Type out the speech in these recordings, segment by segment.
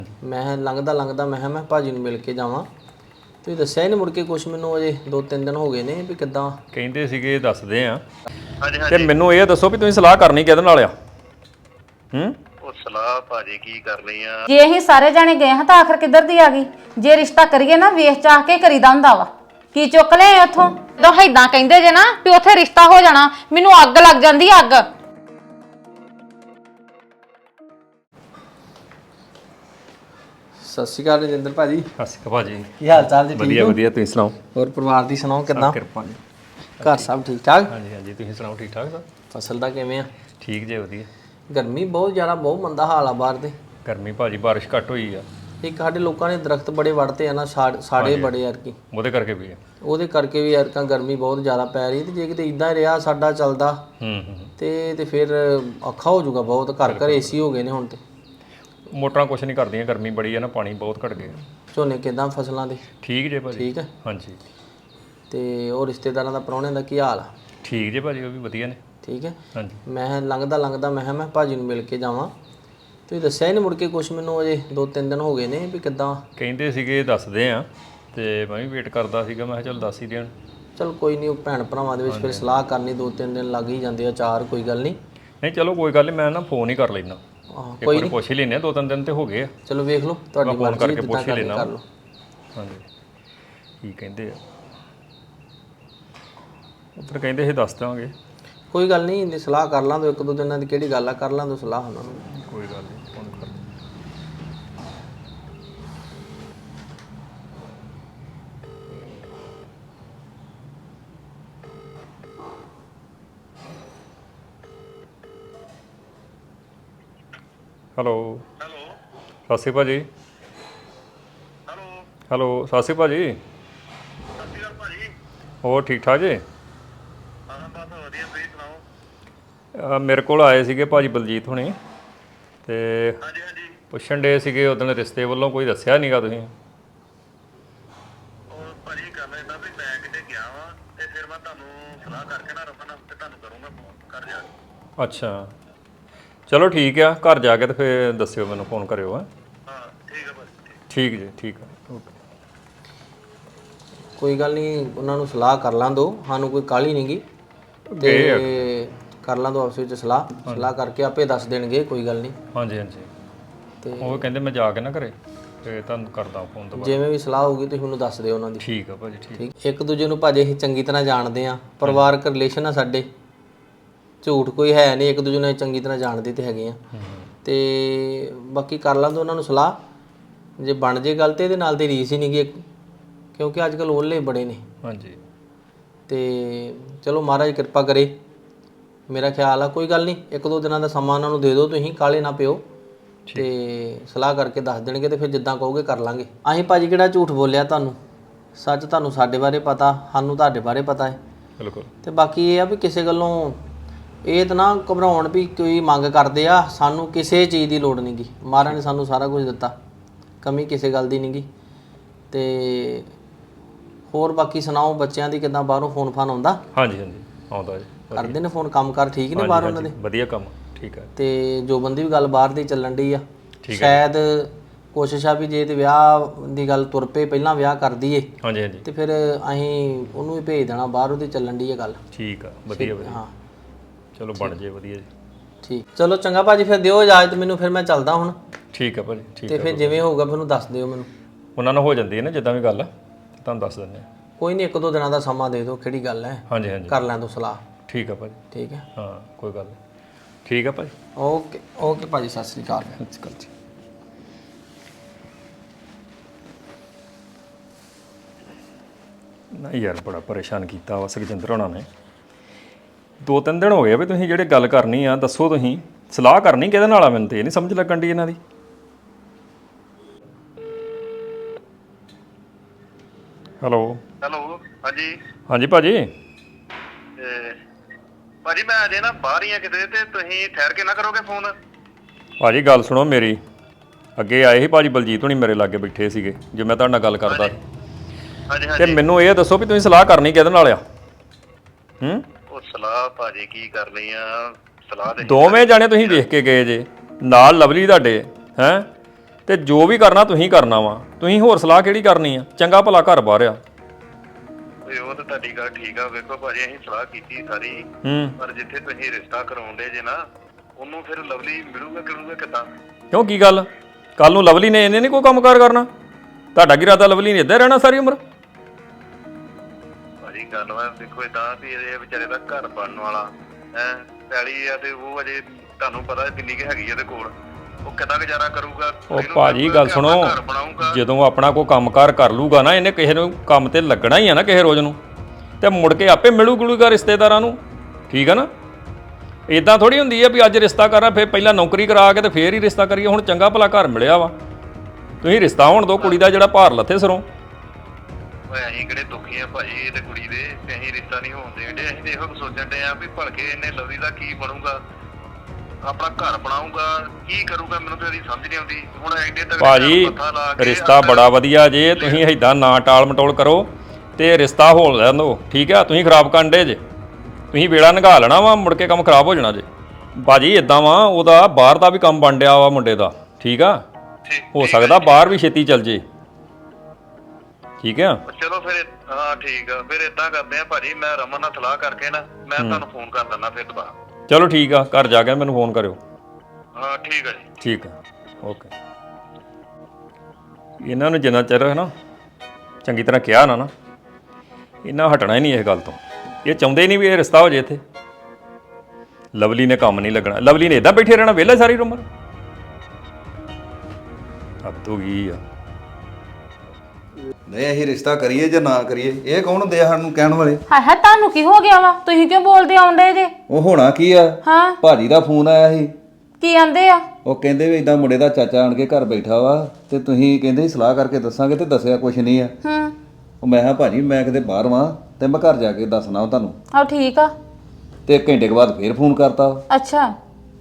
ਮੈਂ ਲੰਘਦਾ ਲੰਘਦਾ ਮੈਂ ਭਾਜੀ ਨੂੰ ਮਿਲ ਕੇ ਜਾਵਾਂ। ਤੁਸੀਂ ਦੱਸਿਆ ਹੀ ਨਹੀਂ ਮੁੜ ਕੇ ਕੁਛ ਮੈਨੂੰ, ਅਜੇ 2-3 ਦਿਨ ਹੋ ਗਏ ਨੇ ਵੀ ਕਿੱਦਾਂ ਕਹਿੰਦੇ ਸੀਗੇ ਦੱਸਦੇ ਆ। ਤੇ ਮੈਨੂੰ ਇਹ ਦੱਸੋ ਵੀ ਤੁਸੀਂ ਸਲਾਹ ਕਰਨੀ ਕਿਹਦੇ ਨਾਲ ਆ? ਉਹ ਸਲਾਹ ਭਾਜੀ ਕੀ ਕਰਨੀ ਆ? ਜੇ ਅਸੀਂ ਸਾਰੇ ਜਾਣੇ ਗਏ ਹਾਂ ਤਾਂ ਆਖਰ ਕਿੱਧਰ ਦੀ ਆ ਗਈ? ਜੇ ਰਿਸ਼ਤਾ ਕਰੀਏ ਨਾ ਵੇਖ ਚਾਹ ਕੇ ਕਰੀਦਾ ਹੁੰਦਾ ਵਾ। ਕੀ ਚੁੱਕ ਲਿਆਏ ਉੱਥੋਂ? ਜਦੋਂ ਏਦਾਂ ਕਹਿੰਦੇ ਜੇ ਨਾ ਵੀ ਉੱਥੇ ਰਿਸ਼ਤਾ ਹੋ ਜਾਣਾ, ਮੈਨੂੰ ਅੱਗ ਲੱਗ ਜਾਂਦੀ ਅੱਗ। ਸਤਿ ਸ਼੍ਰੀ ਅਕਾਲ ਰਜਿੰਦਰ ਭਾਜੀ। ਸਤਿ ਸ਼੍ਰੀ ਅਕਾਲ ਭਾਜੀ। ਕੀ ਹਾਲ ਚਾਲ ਜੀ? ਵਧੀਆ ਵਧੀਆ, ਤੁਸੀਂ ਸੁਣਾਓ? ਹੋਰ ਪਰਿਵਾਰ ਦੀ ਸੁਣਾਓ ਕਿੱਦਾਂ? ਕਿਰਪਾ ਜੀ। ਘਰ ਸਭ ਠੀਕ ਠਾਕ? ਹਾਂਜੀ ਹਾਂਜੀ, ਤੁਸੀਂ ਸੁਣਾਓ? ਠੀਕ ਠਾਕ ਸਭ? ਫਸਲ ਦਾ ਕਿਵੇਂ ਆ? ਠੀਕ ਜੇ, ਵਧੀਆ। ਗਰਮੀ ਬਹੁਤ ਜ਼ਿਆਦਾ, ਬਹੁਤ ਮੰਦਾ ਹਾਲ ਆ ਬਾਹਰ ਦੇ। ਗਰਮੀ ਭਾਜੀ, ਬਾਰਿਸ਼ ਘੱਟ ਹੋਈ ਆ। ਇੱਕ ਸਾਡੇ ਲੋਕਾਂ ਨੇ ਦਰਖਤ ਬੜੇ ਵੱਢਤੇ ਆ ਨਾ, ਸਾੜੇ ਬੜੇ ਯਾਰ ਕੀ, ਉਹਦੇ ਕਰਕੇ ਵੀ ਆ। ਉਹਦੇ ਕਰਕੇ ਵੀ ਯਾਰ ਗਰਮੀ ਬਹੁਤ ਜ਼ਿਆਦਾ ਪੈ ਰਹੀ। ਤੇ ਜੇ ਕਿਤੇ ਇਦਾਂ ਰਿਹਾ ਸਾਡਾ ਚੱਲਦਾ ਤੇ ਫਿਰ ਔਖਾ ਹੋ ਜਾਊਗਾ ਬਹੁਤ। ਘਰ ਘਰ ਏਸੀ ਹੋ ਗਏ ਨੇ ਹੁਣ ਤੇ। ਮੋਟਰਾਂ ਕੁਛ ਨਹੀਂ ਕਰਦੀਆਂ, ਗਰਮੀ ਬੜੀ ਆ ਨਾ, ਪਾਣੀ ਬਹੁਤ ਘਟ ਗਿਆ। ਝੋਨੇ ਕਿਦਾਂ ਫਸਲਾਂ ਦੇ? ਠੀਕ ਜੇ ਭਾਜੀ। ਠੀਕ ਹੈ। ਹਾਂਜੀ। ਤੇ ਉਹ ਰਿਸ਼ਤੇਦਾਰਾਂ ਦਾ ਪ੍ਰਾਹੁਣੇ ਦਾ ਕੀ ਹਾਲ ਆ? ਠੀਕ ਜੇ ਭਾਜੀ, ਉਹ ਵੀ ਵਧੀਆ ਨੇ। ਠੀਕ ਹੈ। ਹਾਂਜੀ। ਮੈਂ ਲੰਘਦਾ ਲੰਘਦਾ ਮੈਂ ਭਾਜੀ ਨੂੰ ਮਿਲ ਕੇ ਜਾਵਾਂ। ਤੁਸੀਂ ਦੱਸਿਆ ਹੀ ਨਹੀਂ ਮੁੜ ਕੇ ਕੁਛ ਮੈਨੂੰ, ਅਜੇ 2-3 ਦਿਨ ਹੋ ਗਏ ਨੇ ਵੀ ਕਿੱਦਾਂ। ਕਹਿੰਦੇ ਸੀਗੇ ਦੱਸਦੇ ਆ, ਤੇ ਮੈਂ ਵੀ ਵੇਟ ਕਰਦਾ ਸੀਗਾ। ਮੈਂ ਕਿਹਾ ਚੱਲ ਦੱਸ ਹੀ ਦੇਣ। ਚਲ ਕੋਈ ਨਹੀਂ, ਉਹ ਭੈਣ ਭਰਾਵਾਂ ਦੇ ਵਿੱਚ ਫਿਰ ਸਲਾਹ ਕਰਨੀ 2-3 ਦਿਨ ਲੱਗ ਹੀ ਜਾਂਦੇ ਆ, 4, ਕੋਈ ਗੱਲ ਨਹੀਂ। ਨਹੀਂ ਚਲੋ ਕੋਈ ਗੱਲ ਨਹੀਂ, ਮੈਂ ਨਾ ਫੋਨ ਹੀ ਕਰ ਲੈਣਾ। ਕੋਈ ਨਹੀਂ, ਪੁੱਛ ਹੀ ਲੈਨੇ ਆ। 2-3 ਦਿਨ ਤੇ ਹੋ ਗਏ ਆ। ਚਲੋ ਵੇਖ ਲਓ, ਤੁਹਾਡੀ ਫੋਨ ਮਰਜ਼ੀ, ਕਰਕੇ ਪੁੱਛ ਹੀ ਲੈਣਾ। ਕਰ ਲਓ। ਹਾਂਜੀ, ਕੀ ਕਹਿੰਦੇ ਆ? ਉੱਧਰ ਕਹਿੰਦੇ ਸੀ ਦੱਸ ਦਾਂਗੇ। ਕੋਈ ਗੱਲ ਨਹੀਂ, ਸਲਾਹ ਕਰ ਲਾਂ ਦੋ 1-2 ਦਿਨਾਂ ਦੀ, ਕਿਹੜੀ ਗੱਲ ਆ, ਕਰ ਲਾਂ ਦੋ ਸਲਾਹ ਉਹਨਾਂ ਨੂੰ। ਕੋਈ ਗੱਲ ਨਹੀਂ, ਫੋਨ ਕਰ। ਹੈਲੋ ਸਤਿ ਸ਼੍ਰੀ ਅਕਾਲ ਭਾਜੀ। ਹੈਲੋ ਸਤਿ ਸ਼੍ਰੀ ਅਕਾਲ ਭਾਜੀ। ਸਤਿ ਸ਼੍ਰੀ ਅਕਾਲ ਭਾਜੀ। ਹੋਰ ਠੀਕ ਠਾਕ ਜੀ? ਹਾਂ ਬਸ ਵਧੀਆ, ਤੁਸੀਂ ਸੁਣਾਓ? ਮੇਰੇ ਕੋਲ ਆਏ ਸੀਗੇ ਭਾਜੀ ਬਲਜੀਤ ਹੁਣੀ, ਤੇ ਹਾਂਜੀ ਹਾਂਜੀ। ਪੁੱਛਣ ਡੇ ਸੀਗੇ ਉਦੋਂ ਰਿਸ਼ਤੇ ਵੱਲੋਂ, ਕੋਈ ਦੱਸਿਆ ਨਹੀਂਗਾ ਤੁਸੀਂ? ਉਹ ਭਾਜੀ ਗੱਲ ਏਦਾਂ ਵੀ ਮੈਂ ਕਿਤੇ ਗਿਆ ਵਾਂ ਤੇ ਫਿਰ ਮੈਂ ਤੁਹਾਨੂੰ ਸਲਾਹ ਕਰਕੇ ਨਾ ਰਮਨ ਤੇ ਤੁਹਾਨੂੰ ਕਰੂੰਗਾ ਫੋਨ ਕਰ ਜਾ ਕੇ। ਅੱਛਾ ਚਲੋ ਠੀਕ ਆ, ਘਰ ਜਾ ਕੇ ਤੇ ਫਿਰ ਦੱਸਿਓ ਮੈਨੂੰ, ਫੋਨ ਕਰਿਓ। ਹਾਂ ਠੀਕ ਆ ਭਾਜੀ। ਠੀਕ ਜੀ, ਠੀਕ ਆ, ਓਕੇ। ਕੋਈ ਗੱਲ ਨਹੀਂ, ਉਹਨਾਂ ਨੂੰ ਸਲਾਹ ਕਰ ਲਾਂ ਦੋ, ਸਾਨੂੰ ਕੋਈ ਕਾਹਲੀ ਨਹੀਂਗੀ। ਗਏ ਆ। ਤੇ ਕਰ ਲਾਂ ਦੋ ਆਪਸ ਵਿੱਚ ਸਲਾਹ ਕਰਕੇ ਆਪੇ ਦੱਸ ਦੇਣਗੇ, ਕੋਈ ਗੱਲ ਨਹੀਂ। ਹਾਂਜੀ ਹਾਂਜੀ। ਤੇ ਉਹ ਕਹਿੰਦੇ ਮੈਂ ਜਾ ਕੇ ਨਾ ਘਰੇ ਤੇ ਤੁਹਾਨੂੰ ਕਰਦਾ ਫੋਨ ਦੁਬਾਰਾ। ਜਿਵੇਂ ਵੀ ਸਲਾਹ ਹੋਊਗੀ ਤੁਸੀਂ ਮੈਨੂੰ ਦੱਸ ਦਿਓ ਉਹਨਾਂ ਦੀ। ਠੀਕ ਆ ਭਾਜੀ, ਠੀਕ। ਠੀਕ, ਇੱਕ ਦੂਜੇ ਨੂੰ ਭਾਜੀ ਅਸੀਂ ਚੰਗੀ ਤਰ੍ਹਾਂ ਜਾਣਦੇ ਆ, ਪਰਿਵਾਰਕ ਰਿਲੇਸ਼ਨ ਆ ਸਾਡੇ, ਝੂਠ ਕੋਈ ਹੈ ਨਹੀਂ, ਇੱਕ ਦੂਜੇ ਨੂੰ ਚੰਗੀ ਤਰ੍ਹਾਂ ਜਾਣਦੇ ਤੇ ਹੈਗੇ ਆ। ਤੇ ਬਾਕੀ ਕਰ ਲਾਂ ਦੋ ਉਹਨਾਂ ਨੂੰ ਸਲਾਹ, ਜੇ ਬਣ ਜੇ ਗੱਲ ਤੇ ਇਹਦੇ ਨਾਲ ਦੀ ਰੀਸ ਹੀ ਨਹੀਂਗੀ, ਕਿਉਂਕਿ ਅੱਜ ਕੱਲ੍ਹ ਓਲੇ ਬੜੇ ਨੇ। ਹਾਂਜੀ। ਤੇ ਚਲੋ ਮਹਾਰਾਜ ਕਿਰਪਾ ਕਰੇ, ਮੇਰਾ ਖਿਆਲ ਆ। ਕੋਈ ਗੱਲ ਨਹੀਂ, 1-2 ਦਿਨਾਂ ਦਾ ਸਮਾਂ ਉਹਨਾਂ ਨੂੰ ਦੇ ਦਿਓ, ਤੁਸੀਂ ਕਾਹਲੇ ਨਾ ਪਿਓ, ਤੇ ਸਲਾਹ ਕਰਕੇ ਦੱਸ ਦੇਣਗੇ ਤੇ ਫਿਰ ਜਿੱਦਾਂ ਕਹੋਗੇ ਕਰ ਲਾਂਗੇ। ਅਸੀਂ ਭਾਜੀ ਕਿਹੜਾ ਝੂਠ ਬੋਲਿਆ ਤੁਹਾਨੂੰ, ਸੱਚ ਤੁਹਾਨੂੰ ਸਾਡੇ ਬਾਰੇ ਪਤਾ, ਸਾਨੂੰ ਤੁਹਾਡੇ ਬਾਰੇ ਪਤਾ ਹੈ। ਬਿਲਕੁਲ। ਤੇ ਬਾਕੀ ਇਹ ਆ ਵੀ ਕਿਸੇ ਗੱਲੋਂ ਇਹ ਤਾਂ ਨਾ ਘਬਰਾਉਣ ਵੀ ਕੋਈ ਮੰਗ ਕਰਦੇ ਆ, ਸਾਨੂੰ ਕਿਸੇ ਚੀਜ਼ ਦੀ ਲੋੜ ਨਹੀਂਗੀ। ਮਹਾਰਾਜ ਨੇ ਸਾਨੂੰ ਸਾਰਾ ਕੁਝ ਦਿੱਤਾ, ਕਮੀ ਕਿਸੇ ਗੱਲ ਦੀ ਨਹੀਂਗੀ। ਤੇ ਹੋਰ ਬਾਕੀ ਸੁਣਾਓ, ਬੱਚਿਆਂ ਦੀ ਕਿੱਦਾਂ? ਬਾਹਰੋਂ ਫੋਨ ਫਾਨ ਆਉਂਦਾ? ਹਾਂਜੀ ਹਾਂਜੀ, ਆਉਂਦਾ ਜੀ। ਕਰਦੇ ਨੇ ਫੋਨ? ਕੰਮ ਕਾਰ ਠੀਕ ਨੇ ਬਾਹਰ ਉਹਨਾਂ ਦੇ? ਵਧੀਆ ਕੰਮ, ਠੀਕ ਹੈ। ਤੇ ਜੋ ਬੰਦੀ ਵੀ ਗੱਲ ਬਾਹਰ ਦੀ ਚੱਲਣ ਡਈ ਆ, ਸ਼ਾਇਦ ਕੋਸ਼ਿਸ਼ ਆ ਵੀ ਜੇ ਤੇ ਵਿਆਹ ਦੀ ਗੱਲ ਤੁਰ ਪਏ, ਪਹਿਲਾਂ ਵਿਆਹ ਕਰ ਦਈਏ। ਹਾਂਜੀ ਹਾਂਜੀ। ਤੇ ਫਿਰ ਅਸੀਂ ਉਹਨੂੰ ਵੀ ਭੇਜ ਦੇਣਾ ਬਾਹਰ, ਉਹਦੀ ਚੱਲਣ ਡਈ ਆ ਗੱਲ। ਠੀਕ ਆ, ਵਧੀਆ ਵਧੀਆ। ਹਾਂ ਚਲੋ ਬਣ ਜੇ, ਵਧੀਆ ਜੀ। ਠੀਕ, ਚਲੋ ਚੰਗਾ ਭਾਜੀ, ਫਿਰ ਦਿਓ ਇਜਾਜ਼ਤ ਮੈਨੂੰ, ਫਿਰ ਮੈਂ ਚੱਲਦਾ ਹੁਣ। ਠੀਕ ਆ ਭਾਜੀ, ਠੀਕ ਤੇ ਫਿਰ ਜਿਵੇਂ ਹੋਊਗਾ ਮੈਨੂੰ ਦੱਸ ਦਿਓ ਮੈਨੂੰ। ਉਹਨਾਂ ਨਾਲ ਹੋ ਜਾਂਦੀ ਹੈ ਨਾ ਜਿੱਦਾਂ ਵੀ ਗੱਲ, ਤੁਹਾਨੂੰ ਦੱਸ ਦਿੰਦੇ ਆ। ਕੋਈ ਨਹੀਂ, 1-2 ਦਿਨਾਂ ਦਾ ਸਮਾਂ ਦੇ ਦਿਓ, ਕਿਹੜੀ ਗੱਲ ਹੈ। ਹਾਂਜੀ ਹਾਂਜੀ, ਕਰ ਲੈਣ ਦਿਓ ਸਲਾਹ। ਠੀਕ ਆ ਭਾਜੀ। ਠੀਕ ਹੈ। ਹਾਂ ਕੋਈ ਗੱਲ ਨਹੀਂ, ਠੀਕ ਆ ਭਾਜੀ। ਓਕੇ ਓਕੇ ਭਾਜੀ, ਸਤਿ ਸ੍ਰੀ ਅਕਾਲ। ਸਤਿ ਸ਼੍ਰੀ ਅਕਾਲ ਜੀ। ਨਹੀਂ ਯਾਰ, ਬੜਾ ਪਰੇਸ਼ਾਨ ਕੀਤਾ ਵਾ ਸੁਖਜਿੰਦਰ ਹੋਣਾ ਨੇ। 2-3 ਦਿਨ ਹੋ ਗਏ ਵੀ ਤੁਸੀਂ ਜਿਹੜੇ ਗੱਲ ਕਰਨੀ ਆ ਦੱਸੋ, ਤੁਸੀਂ ਸਲਾਹ ਕਰਨੀ ਕਿਹਦੇ ਨਾਲ ਆ? ਮੈਨੂੰ ਤੇ ਇਹ ਨਹੀਂ ਸਮਝ ਲੱਗਣ ਦੀ ਇਹਨਾਂ ਦੀ। ਹੈਲੋ ਹੈਲੋ ਹਾਂਜੀ। ਹਾਂਜੀ ਭਾਜੀ। ਭਾਜੀ ਮੈਂ ਅਜੇ ਨਾ ਬਾਹਰ ਹੀ ਆ ਕਿਤੇ, ਤੇ ਤੁਸੀਂ ਠਹਿਰ ਕੇ ਨਾ ਕਰੋਗੇ ਫੋਨ? ਭਾਜੀ ਗੱਲ ਸੁਣੋ ਮੇਰੀ, ਅੱਗੇ ਆਏ ਸੀ ਭਾਜੀ ਬਲਜੀਤ ਹੁਣੀ, ਮੇਰੇ ਲਾਗੇ ਬੈਠੇ ਸੀਗੇ ਜੇ ਮੈਂ ਤੁਹਾਡੇ ਨਾਲ ਗੱਲ ਕਰਦਾ। ਹਾਂਜੀ ਤੇ ਹਾਂਜੀ। ਮੈਨੂੰ ਇਹ ਦੱਸੋ ਵੀ ਤੁਸੀਂ ਸਲਾਹ ਕਰਨੀ ਕਿਹਦੇ ਨਾਲ ਆ? ਉਹ ਸਲਾਹ ਭਾਜੀ ਕੀ ਕਰਨੀ ਆ? ਸਲਾਹ ਤੇ ਦੋਵੇਂ ਜਾਣੇ ਤੁਸੀਂ ਵੇਖ ਕੇ ਗਏ ਜੇ, ਨਾਲ ਲਵਲੀ ਤੁਹਾਡੇ, ਹੈਂ? ਤੇ ਜੋ ਵੀ ਕਰਨਾ ਤੁਸੀਂ ਕਰਨਾ ਵਾ। ਤੁਸੀਂ ਹੋਰ ਸਲਾਹ ਕਿਹੜੀ ਕਰਨੀ ਆ? ਚੰਗਾ ਭਲਾ ਘਰ ਬਾਹਰ ਆ। ਓਏ ਉਹ ਤਾਂ ਤੁਹਾਡੀ ਗੱਲ ਠੀਕ ਆ। ਵੇਖੋ ਭਾਜੀ ਅਸੀਂ ਸਲਾਹ ਕੀਤੀ ਸਾਰੀ, ਪਰ ਜਿੱਥੇ ਤੁਸੀਂ ਰਿਸ਼ਤਾ ਕਰਾਉਂਦੇ ਜੇ ਨਾ, ਉਹਨੂੰ ਫਿਰ ਲਵਲੀ ਮਿਲੂਗਾ ਕਿੱਦਾਂ? ਕਿਉਂ ਕੀ ਗੱਲ? ਕੱਲ ਨੂੰ ਲਵਲੀ ਨੇ ਇਹਨੇ ਨਹੀਂ ਕੋਈ ਕੰਮਕਾਰ ਕਰਨਾ? ਤੁਹਾਡਾ ਕੀ ਇਰਾਦਾ ਲਵਲੀ ਨੇ ਇੱਦਾਂ ਰਹਿਣਾ ਸਾਰੀ ਉਮਰ? ਭਾਜੀ ਗੱਲ ਵਾ ਦੇਖੋ ਏਦਾਂ ਵੀ ਇਹ ਵਿਚਾਰੇ ਦਾ ਘਰ ਬਣਨ ਵਾਲਾ ਹੈ, ਪੈਲੀ ਆ ਤੇ ਉਹ ਅਜੇ ਤੁਹਾਨੂੰ ਪਤਾ ਕਿੰਨੀ ਕੁ ਹੈਗੀ ਇਹਦੇ ਕੋਲ, ਉਹ ਕਿੱਦਾਂ ਗੁਜ਼ਾਰਾ ਕਰੂਗਾ? ਉਹ ਭਾਜੀ ਗੱਲ ਸੁਣੋ, ਜਦੋਂ ਆਪਣਾ ਕੋਈ ਕੰਮਕਾਰ ਕਰ ਲੂਗਾ ਨਾ, ਇਹਨੇ ਕਿਸੇ ਨੂੰ ਕੰਮ ਤੇ ਲੱਗਣਾ ਹੀ ਆ ਨਾ ਕਿਸੇ ਰੋਜ਼ ਨੂੰ, ਤੇ ਮੁੜ ਕੇ ਆਪੇ ਮਿਲੂਗਾ ਰਿਸ਼ਤੇਦਾਰਾਂ ਨੂੰ। ਠੀਕ ਆ ਨਾ? ਇਦਾਂ ਥੋੜੀ ਹੁੰਦੀ ਆ ਵੀ ਅੱਜ ਰਿਸ਼ਤਾ ਕਰਾਂ ਫਿਰ ਪਹਿਲਾਂ ਨੌਕਰੀ ਕਰਾ ਕੇ ਤੇ ਫੇਰ ਹੀ ਰਿਸ਼ਤਾ ਕਰੀਏ। ਹੁਣ ਚੰਗਾ ਭਲਾ ਘਰ ਮਿਲਿਆ ਵਾ, ਤੁਸੀਂ ਰਿਸ਼ਤਾ ਹੋਣ ਦਿਓ, ਕੁੜੀ ਦਾ ਜਿਹੜਾ ਭਾਰ ਲੱਥੇ ਸਿਰੋਂ। ਓਏ ਅਸੀਂ ਕਿਹੜੇ ਦੁਖੀ ਆ ਭਾਜੀ ਤੇ ਕੁੜੀ ਦੇ, ਤੇ ਅਸੀਂ ਰਿਸ਼ਤਾ ਨਹੀਂ ਹੋਣ ਦੇਂਦੇ। ਅਸੀਂ ਤੇ ਇਹੋ ਸੋਚਣ ਦੇ ਆ ਵੀ ਭਲਕੇ ਇਹਨੇ ਲਵਲੀ ਦਾ ਕੀ ਬਣੂਗਾ, ਆਪਣਾ ਘਰ ਬਣਾਊਗਾ, ਕੀ ਕਰੂਗਾ? ਮੈਨੂੰ ਤਾਂ ਇਹਦੀ ਸਮਝ ਨਹੀਂ ਆਉਂਦੀ। ਹੁਣ ਐਡੇ ਤੱਕ ਭਾਜੀ ਰਿਸ਼ਤਾ ਬੜਾ ਵਧੀਆ ਜੇ, ਤੁਸੀਂ ਏਦਾਂ ਨਾ ਟਾਲ ਮਟੋਲ ਕਰੋ ਤੇ ਰਿਸ਼ਤਾ ਹੋ ਲੈਣ ਦਿਓ। ਠੀਕ ਆ? ਤੁਸੀਂ ਖਰਾਬ ਕਰਨ ਡੇ ਜੇ, ਤੁਸੀਂ ਵੇਲਾ ਨਿਘਾ ਲੈਣਾ ਵਾ, ਮੁੜ ਕੇ ਕੰਮ ਖਰਾਬ ਹੋ ਜਾਣਾ ਜੇ। ਭਾਜੀ ਇਦਾਂ ਵਾ, ਉਹਦਾ ਬਾਹਰ ਦਾ ਵੀ ਕੰਮ ਬਣ ਡਿਆ ਵਾ ਮੁੰਡੇ ਦਾ। ਠੀਕ ਆ? ਹੋ ਸਕਦਾ ਬਾਹਰ ਵੀ ਛੇਤੀ ਚੱਲ ਜੇ। ਠੀਕ ਆ? ਚਲੋ ਫਿਰ ਹਾਂ ਠੀਕ ਆ, ਫਿਰ ਏਦਾਂ ਕਰਦੇ ਆ ਭਾਜੀ, ਮੈਂ ਰਮਨ ਨਾਲ ਸਲਾਹ ਕਰਕੇ ਨਾ ਮੈਂ ਤੁਹਾਨੂੰ ਫੋਨ ਕਰ ਦਿੰਦਾ ਫਿਰ ਦੁਬਾਰਾ। ਚਲੋ ਠੀਕ ਆ, ਘਰ ਜਾ ਕੇ ਮੈਨੂੰ ਫੋਨ ਕਰਿਓ। ਹਾਂ ਠੀਕ ਆ ਜੀ। ਠੀਕ ਆ, ਓਕੇ। ਇਹਨਾਂ ਨੂੰ ਜਿੰਨਾ ਚਿਰ ਹੈ ਨਾ ਚੰਗੀ ਤਰ੍ਹਾਂ ਕਿਹਾ ਨਾ ਇਹਨਾਂ ਹਟਣਾ ਹੀ ਨਹੀਂ ਇਸ ਗੱਲ ਤੋਂ। ਇਹ ਚਾਹੁੰਦੇ ਨਹੀਂ ਵੀ ਇਹ ਰਿਸ਼ਤਾ ਹੋ ਜੇ ਇੱਥੇ। ਲਵਲੀ ਨੇ ਕੰਮ ਨਹੀਂ ਲੱਗਣਾ, ਲਵਲੀ ਨੇ ਇਦਾਂ ਬੈਠੇ ਰਹਿਣਾ ਵਿਹਲਾ ਸਾਰੀ ਉਮਰ। ਹੱਦ ਹੋ ਗਈ ਆ। ਨਹੀਂ ਅਸੀਂ ਰਿਸ਼ਤਾ ਕਰੀਏ ਜਾਂ ਨਾ ਕਰੀਏ, ਇਹ ਕੌਣ ਹੁੰਦੇ ਆ ਸਾਨੂੰ ਕਹਿਣ ਵਾਲੇ? ਹਾਏ ਹਾਏ, ਤੁਹਾਨੂੰ ਕੀ ਹੋ ਗਿਆ ਵਾ? ਤੁਸੀਂ ਕਿਉਂ ਬੋਲਦੇ ਆਉਂਦੇ ਜੇ? ਉਹ ਹੋਣਾ ਕੀ ਆ, ਹਾਂ ਭਾਜੀ ਦਾ ਫੋਨ ਆਇਆ ਸੀ। ਕੀ ਆਂਦੇ ਆ? ਉਹ ਕਹਿੰਦੇ ਵੀ ਇਦਾਂ ਮੁੰਡੇ ਦਾ ਚਾਚਾ ਆਣ ਕੇ ਘਰ ਬੈਠਾ ਵਾ ਤੇ ਤੁਸੀਂ ਕਹਿੰਦੇ ਸੀ ਸਲਾਹ ਕਰਕੇ ਦੱਸਾਂਗੇ, ਤੇ ਦੱਸਿਆ ਕੁਛ ਨਹੀਂ ਆ। ਉਹ ਮੈਂ ਕਿਹਾ ਭਾਜੀ ਮੈਂ ਕਿਤੇ ਬਾਹਰ ਵਾਂ ਤੇ ਮੈਂ ਘਰ ਜਾ ਕੇ ਦੱਸਣਾ ਤੁਹਾਨੂੰ। ਆਹ ਠੀਕ ਆ। ਤੇ ਘੰਟੇ ਕੇ ਬਾਅਦ ਫੇਰ ਫੋਨ ਕਰਤਾ ਅੱਛਾ,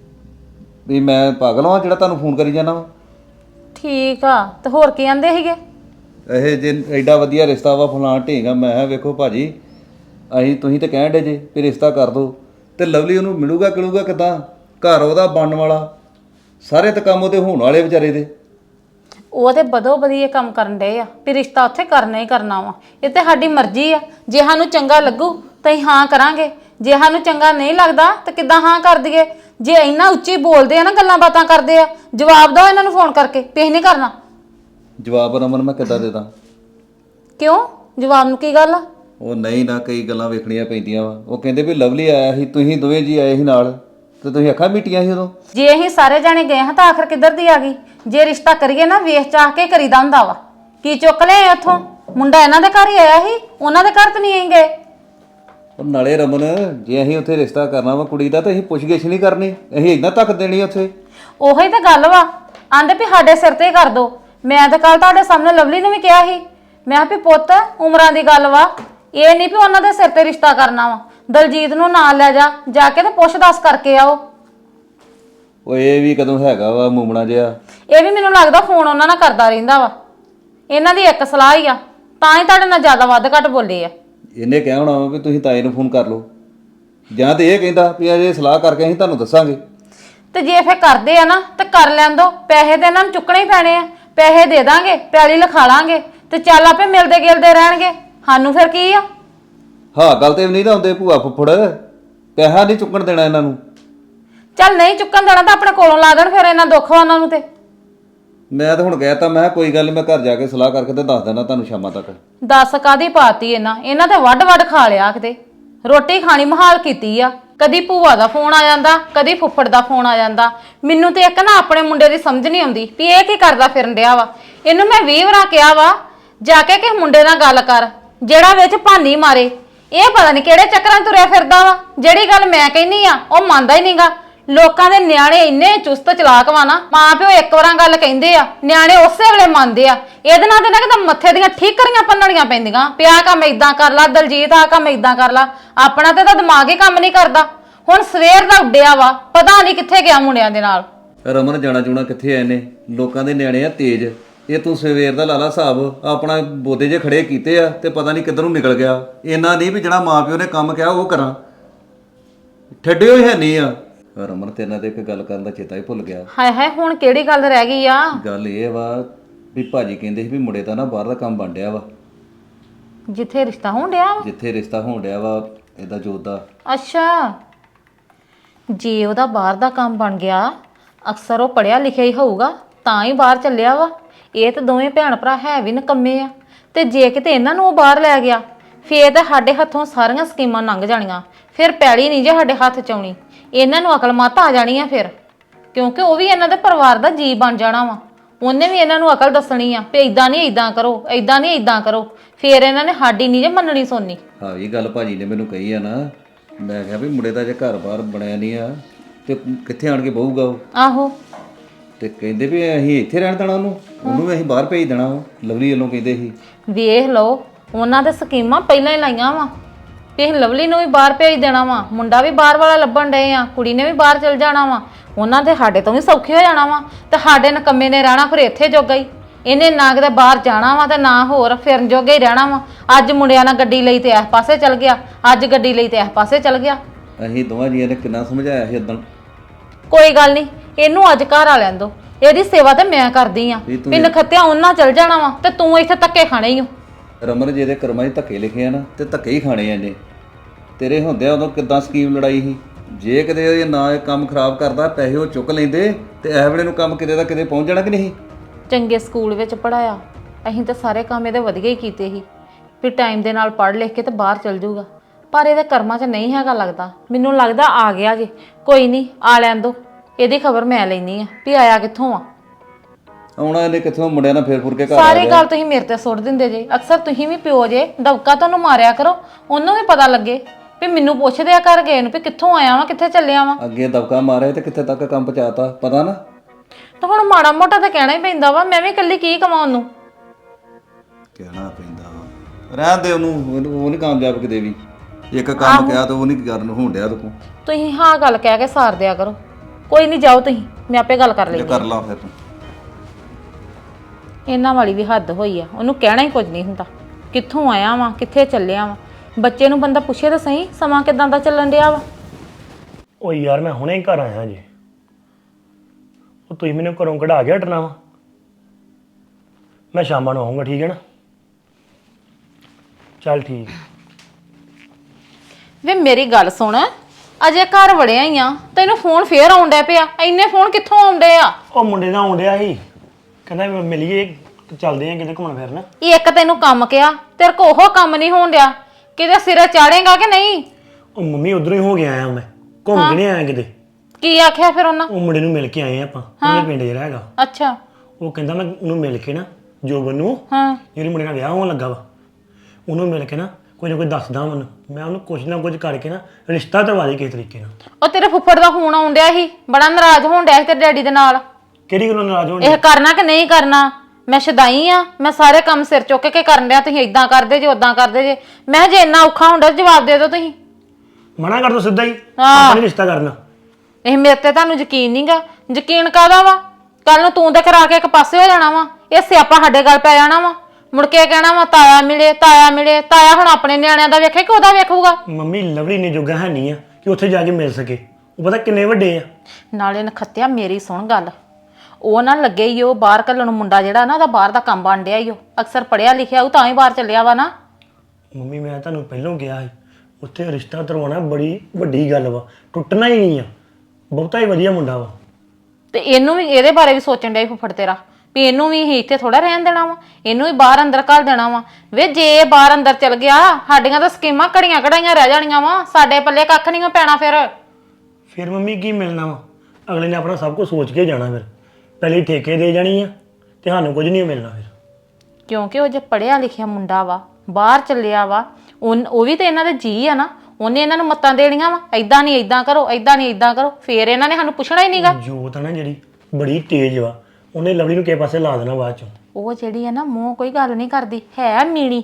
ਵੀ ਮੈਂ ਪਾਗਲ ਹਾਂ ਜਿਹੜਾ ਤੁਹਾਨੂੰ ਫੋਨ ਕਰੀ ਜਾਣਾ ਵਾ। ਠੀਕ ਆ। ਤੇ ਹੋਰ ਕੀ ਆਂਦੇ ਸੀਗੇ? ਇਹ ਜੇ ਐਡਾ ਵਧੀਆ ਰਿਸ਼ਤਾ ਵਾ ਫਲਾਂ ਢੇਗਾ। ਮੈਂ ਕਿਹਾ ਵੇਖੋ ਭਾਜੀ ਤੁਸੀਂ ਤੇ ਕਹਿਣ ਡੇ ਜੇ ਵੀ ਰਿਸ਼ਤਾ ਕਰ ਦੋ, ਤੇ ਲਵਲੀ ਉਹਨੂੰ ਮਿਲੂਗਾ ਕਿੱਦਾਂ? ਘਰ ਉਹਦਾ ਬਣਨ ਵਾਲਾ, ਸਾਰੇ ਤੇ ਕੰਮ ਉਹਦੇ ਹੋਣ ਵਾਲੇ ਵਿਚਾਰੇ ਦੇ। ਉਹ ਤੇ ਬਦੋ ਬਦੀ ਇਹ ਕੰਮ ਕਰਨ ਡਏ ਆ ਵੀ ਰਿਸ਼ਤਾ ਉੱਥੇ ਕਰਨਾ ਹੀ ਕਰਨਾ ਵਾ। ਇਹ ਤੇ ਸਾਡੀ ਮਰਜ਼ੀ ਆ, ਜੇ ਸਾਨੂੰ ਚੰਗਾ ਲੱਗੂ ਤਾਂ ਅਸੀਂ ਹਾਂ ਕਰਾਂਗੇ, ਜੇ ਸਾਨੂੰ ਚੰਗਾ ਨਹੀਂ ਲੱਗਦਾ ਤਾਂ ਕਿੱਦਾਂ ਹਾਂ ਕਰ ਦਈਏ? ਜੇ ਇੰਨਾ ਉੱਚੀ ਬੋਲਦੇ ਆ ਨਾ, ਗੱਲਾਂ ਬਾਤਾਂ ਕਰਦੇ ਆ, ਜਵਾਬ ਦਿਓ ਇਹਨਾਂ ਨੂੰ ਫੋਨ ਕਰਕੇ ਵੀ ਅਸੀਂ ਨਹੀਂ ਕਰਨਾ। ਜਵਾਬ ਰਮਨ ਮੈਂ ਕਿੱਦਾਂ ਦੇ ਦਾਂ? ਕਿਉਂ? ਜਵਾਬ ਨੂੰ ਕੀ ਗੱਲ ਆ? ਉਹ ਨਹੀਂ ਨਾ, ਕਈ ਗੱਲਾਂ ਵੇਖਣੀਆਂ ਪੈਂਦੀਆਂ ਵਾ। ਉਹ ਕਹਿੰਦੇ ਵੀ ਲਵਲੀ ਆਇਆ ਸੀ, ਤੁਸੀਂ ਦੋਵੇਂ ਜੀ ਆਏ ਸੀ ਨਾਲ, ਤੇ ਤੁਸੀਂ ਅੱਖਾਂ ਮੀਟੀਆਂ ਸੀ ਉਦੋਂ। ਜੇ ਅਸੀਂ ਸਾਰੇ ਜਾਣੇ ਗਏ ਹਾਂ ਤਾਂ ਆਖਰ ਕਿੱਧਰ ਦੀ ਆ ਗਈ? ਜੇ ਰਿਸ਼ਤਾ ਕਰੀਏ ਨਾ ਵੇਖ ਚਾਹ ਕੇ ਕਰੀਦਾ ਹੁੰਦਾ ਵਾ। ਕੀ ਚੁੱਕ ਲਿਆਏ ਉੱਥੋਂ? ਮੁੰਡਾ ਇਹਨਾਂ ਦੇ ਘਰ ਹੀ ਆਇਆ ਸੀ, ਉਹਨਾਂ ਦੇ ਘਰ ਤਾਂ ਨਹੀਂ ਗਏ। ਉਹ ਨਾਲੇ ਰਮਨ ਜੇ ਅਸੀਂ ਉੱਥੇ ਰਿਸ਼ਤਾ ਕਰਨਾ ਵਾ ਕੁੜੀ ਦਾ, ਤਾਂ ਅਸੀਂ ਪੁੱਛਗਿੱਛ ਨਹੀਂ ਕਰਨੀ, ਅਸੀਂ ਇੰਨਾ ਤੱਕ ਦੇਣੀ ਉੱਥੇ। ਉਹੀ ਤਾਂ ਗੱਲ ਵਾ, ਆਂਦੇ ਵੀ ਸਾਡੇ ਸਿਰ ਤੇ ਕਰ ਦੋ। ਮੈਂ ਤਾਂ ਕੱਲ ਤੁਹਾਡੇ ਸਾਹਮਣੇ ਲਵਲੀ ਨੇ ਵੀ ਕਿਹਾ ਸੀ, ਮੈਂ ਕਿਹਾ ਵੀ ਪੁੱਤ ਉਮਰਾਂ ਦੀ ਗੱਲ ਵਾ, ਇਹ ਨਹੀਂ ਵੀ ਉਹਨਾਂ ਦੇ ਸਿਰ ਤੇ ਰਿਸ਼ਤਾ ਕਰਨਾ ਵਾ। ਦਲਜੀਤ ਨੂੰ ਨਾਲ ਲੈ ਜਾ ਕੇ ਤੇ ਪੁੱਛ ਦੱਸ ਕਰਕੇ ਆਓ। ਉਹ ਇਹ ਵੀ ਕਦੋਂ ਹੈਗਾ ਵਾ ਮੂਮਣਾ ਜਿਹਾ। ਇਹ ਵੀ ਮੈਨੂੰ ਲੱਗਦਾ ਫੋਨ ਉਹਨਾਂ ਨਾਲ ਕਰਦਾ ਰਹਿੰਦਾ ਵਾ। ਇਹਨਾਂ ਦੀ ਇੱਕ ਸਲਾਹ ਹੀ ਆ, ਤਾਂ ਹੀ ਤੁਹਾਡੇ ਨਾਲ ਜ਼ਿਆਦਾ ਵੱਧ ਘੱਟ ਬੋਲੇ ਆ। ਇਹਨੇ ਕਿਹਾ ਹੋਣਾ ਵਾ ਵੀ ਤੁਸੀਂ ਤਾਏ ਨੂੰ ਫੋਨ ਕਰ ਲਓ, ਜਾਂ ਤੇ ਇਹ ਕਹਿੰਦਾ ਵੀ ਅਜੇ ਸਲਾਹ ਕਰਕੇ ਅਸੀਂ ਤੁਹਾਨੂੰ ਦੱਸਾਂਗੇ। ਤੇ ਜੇ ਫੇਰ ਕਰਦੇ ਆ ਨਾ ਤੇ ਕਰ ਲੈਣ ਦੋ, ਪੈਸੇ ਤੇ ਇਹਨਾਂ ਨੂੰ ਚੁੱਕਣੇ ਹੀ ਪੈਣੇ ਆ। ਪੈਸੇ ਦੇ ਦਾਂਗੇ, ਪੈਲੀ ਲਿਖਾ ਲਾਂਗੇ ਤੇ ਚੱਲ ਆਪੇ ਮਿਲਦੇ ਗਿਲਦੇ ਰਹਿਣਗੇ। ਸਾਨੂੰ ਫਿਰ ਕੀ ਆ? ਹਾਂ ਗੱਲ ਤੇ ਵੀ ਨਹੀਂ ਨਾ ਹੁੰਦੇ ਭੂਆ ਫੁੱਫੜ, ਪੈਸਾ ਨਹੀਂ ਚੁੱਕਣ ਦੇਣਾ ਇਹਨਾਂ ਨੂੰ। ਚੱਲ ਨਹੀਂ ਚੁੱਕਣ ਦੇਣਾ ਤਾਂ ਆਪਣੇ ਕੋਲੋਂ ਲਾ ਦੇਣ, ਫਿਰ ਇਹਨਾਂ ਦੁੱਖ ਵਾ ਉਹਨਾਂ ਨੂੰ। ਤੇ ਮੈਂ ਤਾਂ ਹੁਣ ਕਹਿਤਾ, ਮੈਂ ਕਿਹਾ ਕੋਈ ਗੱਲ ਨਹੀਂ, ਮੈਂ ਘਰ ਜਾ ਕੇ ਸਲਾਹ ਕਰਕੇ ਤੇ ਦੱਸ ਦੇਣਾ ਤੁਹਾਨੂੰ ਸ਼ਾਮਾਂ ਤੱਕ। ਦੱਸ ਕਾਦੀ ਪਾਤੀ ਇਹਨਾਂ ਤੇ ਵੱਡ ਖਾ ਲਿਆ। ਕਿਤੇ ਰੋਟੀ ਖਾਣੀ ਮਹਾਲ ਕੀਤੀ ਆ। ਕਦੀ ਭੂਆ ਦਾ ਫੋਨ ਆ ਜਾਂਦਾ, ਕਦੀ ਫੁੱਫੜ ਦਾ ਫੋਨ ਆ ਜਾਂਦਾ। ਮੈਨੂੰ ਤੇ ਇੱਕ ਨਾ ਆਪਣੇ ਮੁੰਡੇ ਦੀ ਸਮਝ ਨਹੀਂ ਆਉਂਦੀ ਵੀ ਇਹ ਕੀ ਕਰਦਾ ਫਿਰਨ ਡਿਆ ਵਾ। ਇਹਨੂੰ ਮੈਂ 20 ਵਾਰ ਕਿਹਾ ਵਾ ਜਾ ਕੇ ਕਿਸੇ ਮੁੰਡੇ ਨਾਲ ਗੱਲ ਕਰ ਜਿਹੜਾ ਵਿੱਚ ਭਾਨੀ ਮਾਰੇ। ਇਹ ਪਤਾ ਨਹੀਂ ਕਿਹੜੇ ਚੱਕਰਾਂ ਤੁਰਿਆ ਫਿਰਦਾ ਵਾ। ਜਿਹੜੀ ਗੱਲ ਮੈਂ ਕਹਿੰਨੀ ਆ ਉਹ ਮੰਨਦਾ ਹੀ ਨਹੀਂਗਾ। ਲੋਕਾਂ ਦੇ ਨਿਆਣੇ ਇੰਨੇ ਚੁਸਤ ਚਲਾਕ ਵਾ ਨਾ, ਮਾਂ ਪਿਓ ਇੱਕ ਵਾਰਾਂ ਗੱਲ ਕਹਿੰਦੇ ਆ, ਨਿਆਣੇ ਉਸੇ ਵੇਲੇ ਮੰਨਦੇ ਆ। ਇਹਦੇ ਨਾਲ ਤੇ ਨਾ ਕਿਤੇ ਮੱਥੇ ਦੀਆਂ ਠੀਕਰੀਆਂ ਪੰਨਣੀਆਂ ਪੈਂਦੀਆਂ, ਪਿਆ ਕੰਮ ਇਦਾਂ ਕਰ ਲਾ ਦਲਜੀਤ, ਆ ਕੰਮ ਇਦਾਂ ਕਰ ਲਾ। ਆਪਣਾ ਤੇ ਤਾਂ ਦਿਮਾਗ ਹੀ ਕੰਮ ਨਹੀਂ ਕਰਦਾ। ਹੁਣ ਸਵੇਰ ਦਾ ਉੱਡਿਆ ਵਾ, ਪਤਾ ਨਹੀਂ ਕਿੱਥੇ ਗਿਆ ਮੁੰਡਿਆਂ ਦੇ ਨਾਲ। ਰਮਨ ਜਾਣਾ ਜੂਣਾ ਕਿੱਥੇ ਆਏ ਨੇ? ਲੋਕਾਂ ਦੇ ਨਿਆਣੇ ਆ ਤੇਜ਼। ਇਹ ਤੂੰ ਸਵੇਰ ਦਾ ਲਾਲਾ ਹਿਸਾਬ ਆਪਣਾ ਬੋਦੇ ਜੇ ਖੜੇ ਕੀਤੇ ਆ ਤੇ ਪਤਾ ਨਹੀਂ ਕਿੱਧਰ ਨੂੰ ਨਿਕਲ ਗਿਆ। ਇੰਨਾ ਨਹੀਂ ਵੀ ਜਿਹੜਾ ਮਾਂ ਪਿਓ ਨੇ ਕੰਮ ਕਿਹਾ ਉਹ ਕਰਾਂ। ਠੱਡਿਓ ਹੀ ਹੈ ਨਹੀਂ ਆ। ਰਮਨ ਤੇਰੇ ਨਾਲ ਤੇ ਇੱਕ ਗੱਲ ਕਰਨ ਦਾ ਚੇਤਾ ਹੀ ਭੁੱਲ ਗਿਆ। ਹਾਏ ਹਾਏ ਹੁਣ ਕਿਹੜੀ ਗੱਲ ਰਹਿ ਗਈ ਆ? ਗੱਲ ਇਹ ਵਾ ਵੀ ਭਾਜੀ ਕਹਿੰਦੇ ਸੀ ਵੀ ਮੁੰਡੇ ਦਾ ਨਾ ਬਾਹਰ ਦਾ ਕੰਮ ਬਣ ਡਿਆ ਵਾ, ਜਿੱਥੇ ਰਿਸ਼ਤਾ ਹੋਣ ਡਿਆ ਵਾ? ਜਿੱਥੇ ਰਿਸ਼ਤਾ ਹੋਣ ਡਿਆ ਵਾ ਇਹਦਾ ਜੋਤ ਦਾ। ਅੱਛਾ, ਜੇ ਉਹਦਾ ਬਾਹਰ ਦਾ ਕੰਮ ਬਣ ਗਿਆ, ਅਕਸਰ ਉਹ ਪੜਿਆ ਲਿਖਿਆ ਹੀ ਹੋਊਗਾ ਤਾਂ ਹੀ ਬਾਹਰ ਚੱਲਿਆ ਵਾ। ਇਹ ਤਾਂ ਦੋਵੇਂ ਭੈਣ ਭਰਾ ਹੈ ਵੀ ਨਿਕੰਮੇ ਆ, ਤੇ ਜੇ ਕਿਤੇ ਇਹਨਾਂ ਨੂੰ ਉਹ ਬਾਹਰ ਲੈ ਗਿਆ ਫੇਰ ਤਾਂ ਸਾਡੇ ਹੱਥੋਂ ਸਾਰੀਆਂ ਸਕੀਮਾਂ ਲੰਘ ਜਾਣੀਆਂ। ਫਿਰ ਪੈਲੀ ਨਹੀਂ ਜੇ ਸਾਡੇ ਹੱਥ ਚ ਆਉਣੀ, ਇਹਨਾਂ ਨੂੰ ਅਕਲ ਮੱਤ ਆ ਜਾਣੀ ਆ ਫਿਰ, ਕਿਉਂਕਿ ਉਹ ਵੀ ਇਹਨਾਂ ਦੇ ਪਰਿਵਾਰ ਦਾ ਜੀ ਬਣ ਜਾਣਾ ਵਾ। ਉਹਨੇ ਵੀ ਇਹਨਾਂ ਨੂੰ ਅਕਲ ਦੱਸਣੀ ਆ ਵੀ ਇਦਾਂ ਨਹੀਂ ਇਦਾਂ ਕਰੋ, ਇਦਾਂ ਨਹੀਂ ਇਦਾਂ ਕਰੋ। ਫੇਰ ਇਹਨਾਂ ਨੇ ਸਾਡੀ ਨਹੀਂ ਜੇ ਮੰਨਣੀ ਸੁਣਨੀ। ਹਾਂ ਇਹ ਗੱਲ ਭਾਜੀ ਨੇ ਮੈਨੂੰ ਕਹੀ ਆ ਨਾ, ਮੈਂ ਕਿਹਾ ਵੀ ਮੁੰਡੇ ਦਾ ਜੇ ਘਰ-ਬਾਰ ਬਣਿਆ ਨਹੀਂ ਆ ਤੇ ਕਿੱਥੇ ਆਣ ਕੇ ਬਹੂਗਾ ਉਹ। ਆਹੋ, ਤੇ ਕਹਿੰਦੇ ਵੀ ਅਸੀਂ ਇੱਥੇ ਰਹਿਣ ਦੇਣਾ ਉਹਨੂੰ ਵੀ ਅਸੀਂ ਬਾਹਰ ਭੇਜ ਦੇਣਾ। ਉਹ ਲਵਲੀ ਵੱਲੋਂ ਕਹਿੰਦੇ ਸੀ। ਵੇਖ ਲਓ ਉਹਨਾਂ ਦੇ ਸਕੀਮਾਂ ਪਹਿਲਾਂ ਹੀ ਲਾਈਆਂ ਵਾ ਵੀ ਅਸੀਂ ਲਵਲੀ ਨੂੰ ਵੀ ਬਾਹਰ ਭੇਜ ਦੇਣਾ ਵਾ, ਮੁੰਡਾ ਵੀ ਬਾਹਰ ਵਾਲਾ ਲੱਭਣ ਡਏ ਆ, ਕੁੜੀ ਨੇ ਵੀ ਬਾਹਰ ਚਲ ਜਾਣਾ ਵਾ। ਉਹਨਾਂ ਦੇ ਸਾਡੇ ਤੋਂ ਵੀ ਸੌਖੇ ਹੋ ਜਾਣਾ ਵਾ, ਤੇ ਸਾਡੇ ਨਕੰਮੇ ਨੇ ਰਹਿਣਾ ਫਿਰ ਇੱਥੇ ਜੋਗਾ ਹੀ। ਇਹਨੇ ਨਾ ਕਿਤੇ ਬਾਹਰ ਜਾਣਾ ਵਾ ਤੇ ਨਾ ਹੋਰ ਫਿਰਨ ਜੋਗੇ ਹੀ ਰਹਿਣਾ ਵਾ। ਅੱਜ ਮੁੰਡਿਆਂ ਨਾਲ ਗੱਡੀ ਲਈ ਤੇ ਇਸ ਪਾਸੇ ਚਲ ਗਿਆ, ਅੱਜ ਗੱਡੀ ਲਈ ਤੇ ਇਸ ਪਾਸੇ ਚਲ ਗਿਆ। ਅਸੀਂ ਦੋਵਾਂ ਜੀਆਂ ਨੇ ਕਿੰਨਾ ਸਮਝਾਇਆ ਸੀ ਉਦੋਂ। ਕੋਈ ਗੱਲ ਨਹੀਂ, ਇਹਨੂੰ ਅੱਜ ਘਰ ਆ ਲੈਣ ਦੋ, ਇਹਦੀ ਸੇਵਾ ਤੇ ਮੈਂ ਕਰਦੀ ਆ। ਵੀ ਨਖੱਤਿਆ ਉਹਨਾਂ ਚਲ ਜਾਣਾ ਵਾ ਤੇ ਤੂੰ ਇੱਥੇ ਧੱਕੇ ਖਾਣੇ ਹੀ ਹੋ। ਰਮਨ ਜਿਹਦੇ ਕਰਮਾਂ 'ਚ ਧੱਕੇ ਲਿਖੇ ਆ ਨਾ ਤੇ ਧੱਕੇ ਹੀ ਖਾਣੇ ਆ ਇਹਨੇ। ਤੇਰੇ ਹੁੰਦਿਆਂ ਉਦੋਂ ਕਿੱਦਾਂ ਸਕੀਮ ਲੜਾਈ ਸੀ। ਜੇ ਕਿਤੇ ਇਹ ਨਾ ਇਹ ਕੰਮ ਖਰਾਬ ਕਰਦਾ, ਪੈਸੇ ਉਹ ਚੁੱਕ ਲੈਂਦੇ ਤੇ ਇਹ ਵੇਲੇ ਨੂੰ ਕੰਮ ਕਿਤੇ ਦਾ ਕਿਤੇ ਪਹੁੰਚ ਜਾਣਾ ਕਿ ਨਹੀਂ। ਚੰਗੇ ਸਕੂਲ ਵਿੱਚ ਪੜਾਇਆ, ਅਸੀਂ ਤਾਂ ਸਾਰੇ ਕੰਮ ਇਹਦੇ ਵਧੀਆ ਹੀ ਕੀਤੇ ਸੀ ਵੀ ਟਾਈਮ ਦੇ ਨਾਲ ਪੜ੍ਹ ਲਿਖ ਕੇ ਤੇ ਬਾਹਰ ਚਲ ਜਾਊਗਾ। ਪਰ ਇਹਦੇ ਕਰਮਾਂ 'ਚ ਨਹੀਂ ਹੈਗਾ ਲੱਗਦਾ। ਮੈਨੂੰ ਲੱਗਦਾ ਆ ਗਿਆ ਜੇ। ਕੋਈ ਨਹੀਂ, ਆ ਲੈਣ ਦੋ, ਇਹਦੀ ਖਬਰ ਮੈਂ ਲੈਣੀ ਆ ਵੀ ਆਇਆ ਕਿੱਥੋਂ ਆ। ਆਉਣਾ ਇਹਨੇ ਕਿੱਥੋਂ, ਮੁੰਡਿਆਂ ਨਾਲ ਫੇਰ ਫੁਰ ਕੇ ਘਰ ਆ ਸਾਰੀ ਗਿਆ। ਗੱਲ ਤੁਸੀਂ ਮੇਰੇ ਤੇ ਸੁੱਟ ਦਿੰਦੇ ਜੇ। ਅਕਸਰ ਤੁਸੀਂ ਵੀ ਪਿਓ ਜੇ, ਦਬਕਾ ਤੁਹਾਨੂੰ ਮਾਰਿਆ ਕਰੋ, ਉਹਨੂੰ ਵੀ ਪਤਾ ਲੱਗੇ ਵੀ ਮੈਨੂੰ ਪੁੱਛਦੇ ਆ ਘਰ ਗਏ ਨੂੰ ਵੀ ਕਿੱਥੋਂ ਆਇਆ ਵਾਂ, ਕਿੱਥੇ ਚੱਲਿਆ ਵਾਂ। ਅੱਗੇ ਦਬਕਾ ਮਾਰਿਆ ਤੇ ਕਿੱਥੇ ਤੱਕ ਕੰਮ ਪਹੁੰਚਾਤਾ ਪਤਾ ਨਾ। ਤਾਂ ਹੁਣ ਮਾੜਾ ਮੋਟਾ ਤਾਂ ਕਹਿਣਾ ਹੀ ਪੈਂਦਾ ਵਾ। ਮੈਂ ਵੀ ਇਕੱਲੀ ਕੀ ਕਵਾਂ ਉਹਨੂੰ। ਕਹਿਣਾ ਪੈਂਦਾ ਵਾ, ਰਹਿਣ ਦੇ ਉਹਨੂੰ, ਉਹ ਨਹੀਂ ਕਾਮਯਾਬ ਕਿਤੇ ਵੀ। ਇੱਕ ਕੰਮ ਕਿਹਾ ਤਾਂ ਉਹ ਨਹੀਂ ਕਰਨ ਹੋਣ ਡਿਆ ਤੂੰ। ਤੁਸੀਂ ਹਾਂ ਗੱਲ ਕਹਿ ਕੇ ਸਾਰ ਦਿਆ ਕਰੋ। ਕੋਈ ਨਹੀਂ, ਜਾਓ ਤੁਸੀਂ, ਮੈਂ ਆਪੇ ਗੱਲ ਕਰ ਲੈਂਦੀ। ਕਰ ਲਾ ਫਿਰ ਤੂੰ। ਇਹਨਾਂ ਵਾਲੀ ਵੀ ਹੱਦ ਹੋਈ ਆ, ਉਹਨੂੰ ਕਹਿਣਾ ਹੀ ਕੁਝ ਨਹੀਂ ਹੁੰਦਾ। ਕਿੱਥੋਂ ਆਇਆ ਵਾਂ, ਕਿੱਥੇ ਚੱਲਿਆ ਵਾਂ। ਬੱਚੇ ਨੂੰ ਬੰਦਾ ਪੁੱਛੇ ਤਾਂ ਸਹੀ ਸਮਾਂ ਕਿਦਾਂ ਦਾ ਚੱਲਣ ਡਿਆ ਵਾ। ਉਹ ਯਾਰ ਮੈਂ ਹੁਣੇ ਘਰ ਆਇਆ ਜੀ। ਉਹ ਤੁਸੀਂ ਮੈਨੂੰ ਘਰੋਂ ਕਢਾ ਕੇ ਹਟਣਾ ਵਾ। ਮੈਂ ਸ਼ਾਮਾਂ ਨੂੰ ਆਉਂਗਾ, ਠੀਕ ਹੈ ਨਾ? ਚੱਲ ਠੀਕ। ਵੇ ਮੇਰੀ ਗੱਲ ਸੁਣ, ਅਜੇ ਘਰ ਵੜਿਆ ਹੀ ਆ, ਤੈਨੂੰ ਫੋਨ ਫੇਰ ਆਉਣ ਡਿਆ ਪਿਆ। ਇੰਨੇ ਫੋਨ ਕਿੱਥੋਂ ਆਉਂਦੇ ਆ? ਉਹ ਮੁੰਡੇ ਦਾ ਆਉਣ ਡਿਆ ਸੀ, ਕਹਿੰਦਾ ਵੀ ਮਿਲੀਏ ਤੇ ਚੱਲਦੇ ਆ ਕਿਤੇ ਘੁੰਮਣ ਫਿਰਨ। ਇੱਕ ਤੈਨੂੰ ਕੰਮ ਕਿਹਾ, ਤੇਰੇ ਕੋ ਉਹ ਕੰਮ ਨਹੀਂ ਹੋਣ ਡਿਆ। ਕਿਤੇ ਸਿਰੇ ਚਾੜੇਗਾ ਕਿ ਨਹੀਂ? ਉਹ ਮੰਮੀ ਉਧਰੋਂ ਹੀ ਹੋ ਕੇ ਆਇਆ ਮੈਂ, ਘੁੰਮ ਕੇ ਨਹੀਂ ਆਇਆ ਕਿਤੇ। ਕੀ ਆਖਿਆ ਫਿਰ ਉਹਨਾਂ? ਉਹ ਮੁੰਡੇ ਨੂੰ ਮਿਲ ਕੇ ਆਏ ਆਪਾਂ, ਉਹਨੇ ਪਿੰਡ ਜਿਹੜਾ ਹੈਗਾ। ਅੱਛਾ, ਉਹ ਕਹਿੰਦਾ ਮੈਂ ਉਹਨੂੰ ਮਿਲ ਕੇ ਨਾ, ਜੋਬਨ ਨੂੰ, ਹਾਂ, ਜਿਹੜੇ ਮੁੰਡੇ ਨਾਲ ਵਿਆਹ ਹੋਣ ਲੱਗਾ ਵਾ, ਉਹਨੂੰ ਮਿਲ ਕੇ ਨਾ ਕੋਈ ਨਾ ਕੋਈ ਦੱਸਦਾ ਮੈਨੂੰ। ਮੈਂ ਉਹਨੂੰ ਕੁਛ ਨਾ ਕੁਝ ਕਰਕੇ ਨਾ ਰਿਸ਼ਤਾ ਕਰਵਾ ਦੇ ਕਿਸੇ ਤਰੀਕੇ ਨਾਲ। ਉਹ ਤੇਰੇ ਫੁੱਫੜ ਦਾ ਫੋਨ ਆਉਣ ਡਿਆ ਸੀ, ਬੜਾ ਨਾਰਾਜ਼ ਹੋਣ ਡਿਆ ਸੀ ਤੇਰੇ ਡੈਡੀ ਦੇ ਨਾਲ। ਕਿਹੜੀ ਗੱਲੋਂ ਨਾਰਾਜ਼ ਹੋਣ? ਇਹ ਕਰਨਾ ਕਿ ਨਹੀਂ ਕਰਨਾ? ਮੈਂ ਸ਼ਦਾਈ ਆ, ਮੈਂ ਸਾਰੇ ਕੰਮ ਸਿਰ ਚੁੱਕ ਕੇ ਕਰਨ ਡਿਆ, ਤੁਸੀਂ ਇਦਾਂ ਕਰਦੇ ਜੇ ਉਦਾਂ ਕਰਦੇ ਜੇ। ਮੈਂ ਜੇ ਇੰਨਾ ਔਖਾ ਹੁੰਦਾ ਜਵਾਬ ਦੇ ਦਿਓ ਤੁਸੀਂ। ਮਨਾ ਕਰ ਦੋ ਸਿੱਧਾ ਹੀ, ਆਪਾਂ ਨਹੀਂ ਰਿਸ਼ਤਾ ਕਰਨਾ। ਇਹ ਮੇਰੇ ਤੇ ਤੁਹਾਨੂੰ ਯਕੀਨ ਨਹੀਂਗਾ। ਯਕੀਨ ਕਾਹਦਾ ਵਾ? ਕੱਲ ਨੂੰ ਤੂੰ ਤੇ ਕਰਾ ਕੇ ਇੱਕ ਪਾਸੇ ਹੋ ਜਾਣਾ ਵਾ, ਇਹ ਸਿਆਪਾ ਸਾਡੇ ਗੱਲ ਪੈ ਜਾਣਾ ਵਾ। ਮੁੜ ਕੇ ਕਹਿਣਾ ਵਾ ਤਾਇਆ ਮਿਲੇ, ਤਾਇਆ ਮਿਲੇ। ਤਾਇਆ ਹੁਣ ਆਪਣੇ ਨਿਆਣਿਆਂ ਦਾ ਵੇਖੇ ਕਿ ਉਹਦਾ ਵੇਖੂਗਾ? ਮੰਮੀ ਲਵਲੀ ਨੇ ਜੋਗਾ ਹੈ ਨਹੀਂ ਆ ਕਿ ਉੱਥੇ ਜਾ ਕੇ ਮਿਲ ਸਕੇ। ਉਹ ਪਤਾ ਕਿੰਨੇ ਵੱਡੇ ਆ। ਨਾਲੇ ਨਖੱਤਿਆ ਮੇਰੀ ਸੁਣ ਗੱਲ, ਉਹ ਨਾ ਲੱਗੇ ਹੀ ਉਹ ਬਾਹਰ ਘੱਲਣ ਨੂੰ। ਮੁੰਡਾ ਜਿਹੜਾ ਨਾ ਉਹਦਾ ਬਾਹਰ ਦਾ ਕੰਮ ਬਣ ਡਿਆ ਹੀ, ਉਹ ਅਕਸਰ ਪੜਿਆ ਲਿਖਿਆ ਉਹ ਤਾਂ ਹੀ ਬਾਹਰ ਚੱਲਿਆ ਵਾ ਨਾ। ਮੰਮੀ ਮੈਂ ਤੁਹਾਨੂੰ ਪਹਿਲਾਂ ਕਿਹਾ ਸੀ, ਉੱਥੇ ਰਿਸ਼ਤਾ ਕਰਵਾਉਣਾ ਬੜੀ ਵੱਡੀ ਗੱਲ ਵਾ, ਟੁੱਟਣਾ ਹੀ ਨਹੀਂ ਆ। ਬਹੁਤਾ ਹੀ ਵਧੀਆ ਮੁੰਡਾ ਵਾ। ਤੇ ਇਹਨੂੰ ਵੀ ਇਹਦੇ ਬਾਰੇ ਵੀ ਸੋਚਣ ਡਿਆ ਫੁੱਫੜ ਤੇਰਾ ਵੀ ਇਹਨੂੰ ਵੀ ਹੀ ਇੱਥੇ ਥੋੜਾ ਰਹਿਣ ਦੇਣਾ ਵਾ, ਇਹਨੂੰ ਵੀ ਬਾਹਰ ਅੰਦਰ ਘੱਲ ਦੇਣਾ ਵਾ। ਵੇ ਜੇ ਬਾਹਰ ਅੰਦਰ ਚਲ ਗਿਆ, ਸਾਡੀਆਂ ਤਾਂ ਸਕੀਮਾਂ ਘੜੀਆਂ ਕਢਾਈਆਂ ਰਹਿ ਜਾਣੀਆਂ ਵਾ, ਸਾਡੇ ਪੱਲੇ ਕੱਖ ਨਹੀਂ ਪੈਣਾ ਫਿਰ ਮੰਮੀ ਕੀ ਮਿਲਣਾ ਵਾ? ਅਗਲੇ ਨੇ ਆਪਣਾ ਸਭ ਕੁਝ ਸੋਚ ਕੇ ਜਾਣਾ। ਫਿਰ ਪਹਿਲੇ ਠੇਕੇ ਦੇ ਜਾਣੀ ਆ ਤੇ ਸਾਨੂੰ ਕੁਝ ਨਹੀਂ ਮਿਲਣਾ ਫਿਰ। ਕਿਉਂਕਿ ਉਹ ਜੇ ਪੜਿਆ ਲਿਖਿਆ ਮੁੰਡਾ ਵਾ, ਬਾਹਰ ਚੱਲਿਆ ਵਾ, ਉਹ ਵੀ ਤੇ ਇਹਨਾਂ ਦੇ ਜੀ ਆ ਨਾ। ਉਹਨੇ ਇਹਨਾਂ ਨੂੰ ਮੱਤਾਂ ਦੇਣੀਆਂ ਵਾ, ਐਦਾਂ ਨਹੀਂ ਐਦਾਂ ਕਰੋ, ਐਦਾਂ ਨਹੀਂ ਐਦਾਂ ਕਰੋ। ਫੇਰ ਇਹਨਾਂ ਨੇ ਸਾਨੂੰ ਪੁੱਛਣਾ ਹੀ ਨਹੀਂਗਾ। ਜੋਤ ਆ ਨਾ ਜਿਹੜੀ, ਬੜੀ ਤੇਜ਼ ਵਾ, ਉਹਨੇ ਲਵਲੀ ਨੂੰ ਕਿਸੇ ਪਾਸੇ ਲਾ ਦੇਣਾ ਬਾਅਦ ਚੋਂ। ਉਹ ਜਿਹੜੀ ਆ ਨਾ ਮੂੰਹ ਕੋਈ ਗੱਲ ਨਹੀਂ ਕਰਦੀ, ਹੈ ਮੀਣੀ।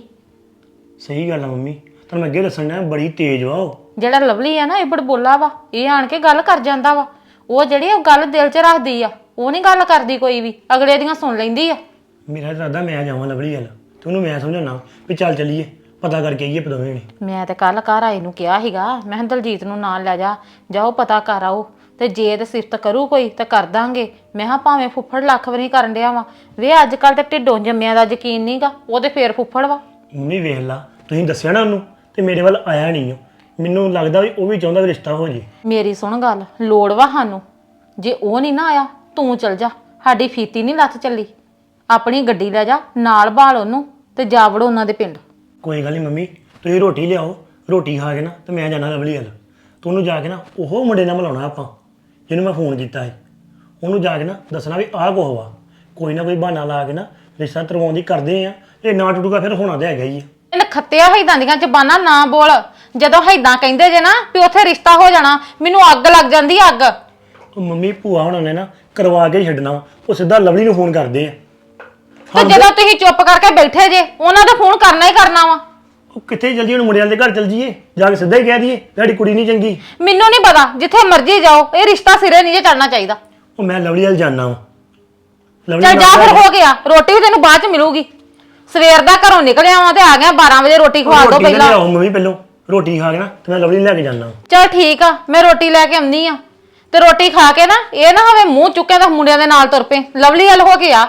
ਸਹੀ ਗੱਲ ਆ ਮੰਮੀ, ਤੁਹਾਨੂੰ ਮੈਂ ਅੱਗੇ ਦੱਸਣ ਡਿਆ, ਬੜੀ ਤੇਜ਼ ਵਾ ਉਹ। ਜਿਹੜਾ ਲਵਲੀ ਆ ਨਾ ਇਹ ਬੜਬੋਲਾ ਵਾ, ਇਹ ਆਣ ਕੇ ਗੱਲ ਕਰ ਜਾਂਦਾ ਵਾ। ਉਹ ਜਿਹੜੀ ਉਹ ਗੱਲ ਦਿਲ 'ਚ ਰੱਖਦੀ ਆ, ਉਹ ਨਹੀਂ ਗੱਲ ਕਰਦੀ ਕੋਈ ਵੀ, ਅਗਲੇ ਦੀਆਂ ਸੁਣ ਲੈਂਦੀ ਆ। ਮੇਰਾ ਇਰਾਦਾ ਮੈਂ ਜਾਵਾਂ ਲਵਲੀ ਵੱਲ ਤੇ ਉਹਨੂੰ ਮੈਂ ਸਮਝਾਉਣਾ ਵੀ ਚੱਲ ਚੱਲੀਏ, ਪਤਾ ਕਰਕੇ ਆਈਏ ਦੋਵੇਂ ਨੇ। ਮੈਂ ਤੇ ਕੱਲ ਘਰ ਆਏ ਨੂੰ ਕਿਹਾ ਸੀਗਾ, ਮੈਂ ਕਿਹਾ ਦਲਜੀਤ ਨੂੰ ਨਾਲ ਲੈ ਜਾ, ਜਾਓ ਪਤਾ ਕਰ ਆਓ ਤੇ ਜੇ ਤੇ ਸਿਫਤ ਕਰੂ ਕੋਈ ਤਾਂ ਕਰ ਦਾਂਗੇ। ਮੈਂ ਹਾਂ ਭਾਵੇਂ ਫੁੱਫੜ ਲੱਖ ਵਾਰੀ ਕਰਨ ਡਿਆ ਵਾ ਵੇ ਅੱਜ ਕੱਲ ਤੇ ਢਿੱਡੋਂ ਜੰਮਿਆਂ ਦਾ ਯਕੀਨ ਨਹੀਂਗਾ, ਉਹ ਤੇ ਫੇਰ ਫੁੱਫੜ ਵਾ। ਮੰਮੀ ਵੇਖ ਲਾ, ਤੁਸੀਂ ਦੱਸਿਆ ਨਾ ਉਹਨੂੰ ਤੇ ਮੇਰੇ ਵੱਲ ਆਇਆ ਨਹੀਂ ਉਹ। ਮੈਨੂੰ ਲੱਗਦਾ ਵੀ ਉਹ ਵੀ ਚਾਹੁੰਦਾ ਵੀ ਰਿਸ਼ਤਾ ਹੋ ਜੇ। ਮੇਰੀ ਸੁਣ ਗੱਲ, ਲੋੜ ਵਾ ਸਾਨੂੰ। ਜੇ ਉਹ ਨਹੀਂ ਨਾ ਆਇਆ ਤੂੰ ਚਲ ਜਾ, ਸਾਡੀ ਫੀਤੀ ਨਹੀਂ ਲੱਥ ਚੱਲੀ। ਆਪਣੀ ਗੱਡੀ ਲੈ ਜਾ ਨਾਲ ਬਾਲ ਉਹਨੂੰ ਤੇ ਜਾ ਵੜੋ ਉਹਨਾਂ ਦੇ ਪਿੰਡ। ਕੋਈ ਗੱਲ ਨਹੀਂ ਮੰਮੀ, ਤੁਸੀਂ ਰੋਟੀ ਲਿਆਓ, ਰੋਟੀ ਖਾ ਕੇ ਨਾ ਤੇ ਮੈਂ ਜਾਣਾ ਲਵਲੀ ਵੱਲ। ਤੂੰ ਉਹਨੂੰ ਜਾ ਕੇ ਨਾ ਉਹ ਮੁੰਡੇ ਨਾਲ ਮਿਲਾਉਣਾ ਆਪਾਂ ਜਿਹਨੂੰ ਮੈਂ ਫੋਨ ਕੀਤਾ ਸੀ। ਉਹਨੂੰ ਜਾ ਕੇ ਨਾ ਦੱਸਣਾ ਵੀ ਆਹ ਕੁਛ ਵਾ, ਕੋਈ ਨਾ ਕੋਈ ਬਹਾਨਾ ਲਾ ਕੇ ਨਾ ਰਿਸ਼ਤਾ ਕਰਵਾਉਣ ਦੀ ਕਰਦੇ ਆ। ਇਹ ਨਾ ਟੁੱਟੂਗਾ ਫਿਰ ਹੋਣਾ ਤੇ ਹੈਗਾ ਹੀ ਆ। ਇਹਨੇ ਖੱਤਿਆ ਹੈਦਾਂ ਦੀਆਂ ਜ਼ਬਾਨਾਂ ਨਾ ਬੋਲ। ਜਦੋਂ ਹੈਦਾਂ ਕਹਿੰਦੇ ਜੇ ਨਾ ਵੀ ਉੱਥੇ ਰਿਸ਼ਤਾ ਹੋ ਜਾਣਾ, ਮੈਨੂੰ ਅੱਗ ਲੱਗ ਜਾਂਦੀ ਅੱਗ। ਉਹ ਮੰਮੀ ਭੂਆ ਹੁਣਾਂ ਨੇ ਨਾ ਕਰਵਾ ਕੇ ਹੀ ਛੱਡਣਾ ਵਾ। ਉਹ ਸਿੱਧਾ ਲਵਲੀ ਨੂੰ ਫੋਨ ਕਰਦੇ ਆ। ਤੇ ਜਦੋਂ ਤੁਸੀਂ ਚੁੱਪ ਕਰਕੇ ਬੈਠੇ ਜੇ ਉਹਨਾਂ ਦਾ ਫੋਨ ਕਰਨਾ ਹੀ ਕਰਨਾ ਵਾ। ਉਹ ਕਿੱਥੇ ਚੱਲ ਜੀਏ, ਉਹਨੂੰ ਮੁੰਡਿਆਂ ਦੇ ਘਰ ਚੱਲ ਜੀਏ, ਜਾ ਕੇ ਸਿੱਧਾ ਹੀ ਕਹਿ ਦਈਏ ਸਾਡੀ ਕੁੜੀ ਨਹੀਂ ਚੰਗੀ। ਮੈਨੂੰ ਨਹੀਂ ਪਤਾ, ਜਿੱਥੇ ਮਰਜ਼ੀ ਜਾਓ ਇਹ ਰਿਸ਼ਤਾ ਸਿਰੇ ਨਹੀਂ ਜੇ ਚੜਨਾ ਚਾਹੀਦਾ। ਉਹ ਮੈਂ ਲਵਲੀ ਵੱਲ ਜਾਣਾ ਵਾ। ਚੱਲ ਜਾ ਫਿਰ, ਹੋ ਗਿਆ। ਰੋਟੀ ਵੀ ਤੈਨੂੰ ਬਾਅਦ ਚ ਮਿਲੂਗੀ। ਸਵੇਰ ਦਾ ਘਰੋਂ ਨਿਕਲਿਆ ਵਾਂ ਤੇ ਆ ਗਿਆ 12 ਵਜੇ। ਰੋਟੀ ਖਵਾ ਦੋ ਪਹਿਲਾਂ। ਆਓ ਮੰਮੀ, ਪਹਿਲੋਂ ਰੋਟੀ ਖਾ ਕੇ ਨਾ ਤੇ ਮੈਂ ਲਵਲੀ ਨੂੰ ਲੈ ਕੇ ਜਾਣਾ। ਚੱਲ ਠੀਕ ਆ, ਮੈਂ ਰੋਟੀ ਲੈ ਕੇ ਆਉਂਦੀ ਆ ਤੇ ਰੋਟੀ ਖਾ ਕੇ ਨਾ ਇਹ ਨਾ ਹੋਵੇ ਮੂੰਹ ਚੁੱਕਿਆ ਤਾਂ ਮੁੰਡਿਆਂ ਦੇ ਨਾਲ ਤੁਰ ਪਏ। ਲਵਲੀ ਵੱਲ ਹੋ ਗਿਆ।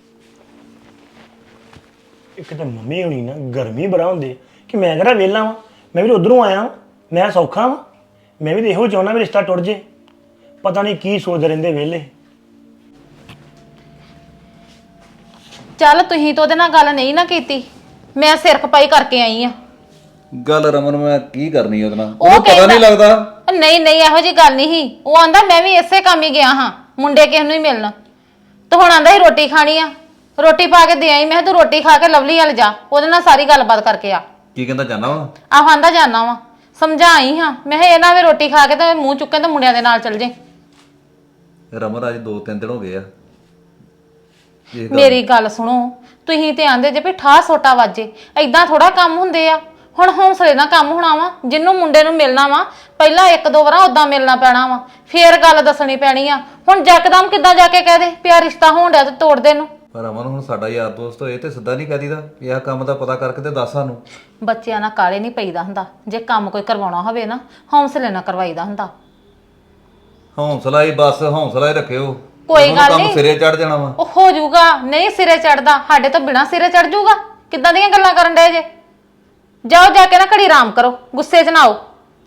ਇੱਕ ਤਾਂ ਮੰਮੀ ਹੋਣੀ ਨਾ ਗਰਮੀ ਬੜਾ ਹੁੰਦੀ ਕਿ ਮੈਂ ਕਿਹੜਾ ਵਿਹਲਾ ਵਾਂ, ਮੈਂ ਵੀ ਉਧਰੋਂ ਆਇਆ ਵਾਂ, ਮੈਂ ਸੌਖਾ ਵਾਂ। ਮੈਂ ਵੀ ਇਹੋ ਚਾਹੁੰਦਾ ਵੀ ਰਿਸ਼ਤਾ ਟੁੱਟ ਜੇ। ਪਤਾ ਨਹੀਂ ਕੀ ਸੋਚਦੇ ਰਹਿੰਦੇ ਵਿਹਲੇ। ਚੱਲ ਤੁਸੀਂ ਤਾਂ ਉਹਦੇ ਨਾਲ ਗੱਲ ਨਹੀਂ ਨਾ ਕੀਤੀ, ਮੈਂ ਸਿਰ ਖਪਾਈ ਕਰਕੇ ਆਈ ਆ। ਗੱਲ ਰਮਨ ਮੈਂ ਕੀ ਕਰਨੀ ਉਹਦੇ ਨਾਲ, ਉਹ ਉਹਨੂੰ ਪਤਾ ਕਹਿੰਦਾ- ਨਹੀਂ ਲੱਗਦਾ। ਨਹੀਂ ਨਹੀਂ, ਇਹੋ ਜੀ ਗੱਲ ਨਹੀਂ ਸੀ। ਉਹ ਆਂਦਾ ਮੈਂ ਵੀ ਇਸੇ ਕੰਮ ਹੀ ਗਿਆ ਹਾਂ, ਮੁੰਡੇ ਕਿਸ ਨੂੰ ਹੀ ਮਿਲਣਾ। ਤੇ ਹੁਣ ਆਂਦਾ ਸੀ ਰੋਟੀ ਖਾਣੀ ਆ, ਰੋਟੀ ਪਾ ਕੇ ਦੇ ਆਈ। ਮੈਂ ਕਿਹਾ ਤੂੰ ਰੋਟੀ ਖਾ ਕੇ ਲਵਲੀ ਵੱਲ ਜਾ, ਉਹਦੇ ਨਾਲ ਸਾਰੀ ਗੱਲਬਾਤ ਕਰਕੇ ਆ। ਕੀ ਕਹਿੰਦਾ ਜਾਣਾ ਵਾ? ਆਹ ਆਂਦਾ ਜਾਣਾ ਵਾ, ਸਮਝਾਈ ਹਾਂ ਮੈਂ ਕਿਹਾ ਇਹਨਾਂ ਵੀ ਰੋਟੀ ਖਾ ਕੇ ਤੇ ਮੂੰਹ ਚੁੱਕੇ ਤੇ ਮੁੰਡਿਆਂ ਦੇ ਨਾਲ ਚੱਲ ਜੇ। ਰਮਨ ਅੱਜ 2-3 ਦਿਨ ਹੋ ਗਏ ਆ। ਮੇਰੀ ਗੱਲ ਸੁਣੋ, ਤੁਸੀਂ ਤੇ ਆਂਦੇ ਜੇ ਵੀ ਠਾਹ ਸੋਟਾ ਵਾਜੇ, ਐਦਾਂ ਥੋੜਾ ਕੰਮ ਹੁੰਦੇ ਆ। ਹੁਣ ਹੌਸਲੇ ਨਾਲ ਕੰਮ ਹੋਣਾ ਵਾ। ਜਿੰਨੂੰ ਮੁੰਡੇ ਨੂੰ ਮਿਲਣਾ ਵਾ ਪਹਿਲਾਂ 1-2 ਵਾਰਾਂ ਉਦਾਂ ਮਿਲਣਾ ਪੈਣਾ ਵਾ, ਫੇਰ ਗੱਲ ਦੱਸਣੀ ਪੈਣੀ ਆ। ਹੁਣ ਜੱਕਦਮ ਕਿੱਦਾਂ ਜਾ ਕੇ ਕਹਿ ਦੇ ਪਿਆ ਰਿਸ਼ਤਾ ਹੋਣ ਡਿਆ ਤੇ ਤੋੜ ਦੇ ਨੂੰ। ਪਰ ਰਮਨ ਹੁਣ ਸਾਡਾ ਯਾਰ ਦੋਸਤ ਹੋਏ ਤੇ ਸਿੱਧਾ ਨਹੀਂ ਕਹਿ ਦੀਦਾ ਵੀ ਆਹ ਕੰਮ ਦਾ ਪਤਾ ਕਰਕੇ ਤੇ ਦੱਸ ਸਾਨੂੰ। ਬੱਚਿਆਂ ਨਾਲ ਕਾਲੇ ਨਹੀਂ ਪਈਦਾ ਹੁੰਦਾ। ਜੇ ਕੰਮ ਕੋਈ ਕਰਵਾਉਣਾ ਹੋਵੇ ਨਾ ਹੌਸਲੇ ਨਾਲ ਕਰਵਾਈਦਾ ਹੁੰਦਾ। ਹੌਸਲਾ ਹੀ ਬਸ, ਹੌਸਲਾ ਹੀ ਰੱਖਿਓ। ਕੋਈ ਉਹਨੂੰ ਗੱਲ ਕੰਮ ਨਹੀਂ, ਸਿਰੇ ਚੜ ਜਾਣਾ ਵਾ। ਉਹ ਹੋ ਜਾਊਗਾ। ਨਹੀਂ ਸਿਰੇ ਚੜਦਾ, ਸਾਡੇ ਤੋਂ ਬਿਨਾ ਸਿਰੇ ਚੜ ਜਾਊਗਾ। ਕਿੱਦਾਂ ਦੀਆਂ ਗੱਲਾਂ ਕਰਨ ਡਏ ਜੇ? ਜਾਓ ਜਾ ਕੇ ਨਾ ਘੜੀ ਆਰਾਮ ਕਰੋ, ਗੁੱਸੇ 'ਚ ਨਾ ਆਓ।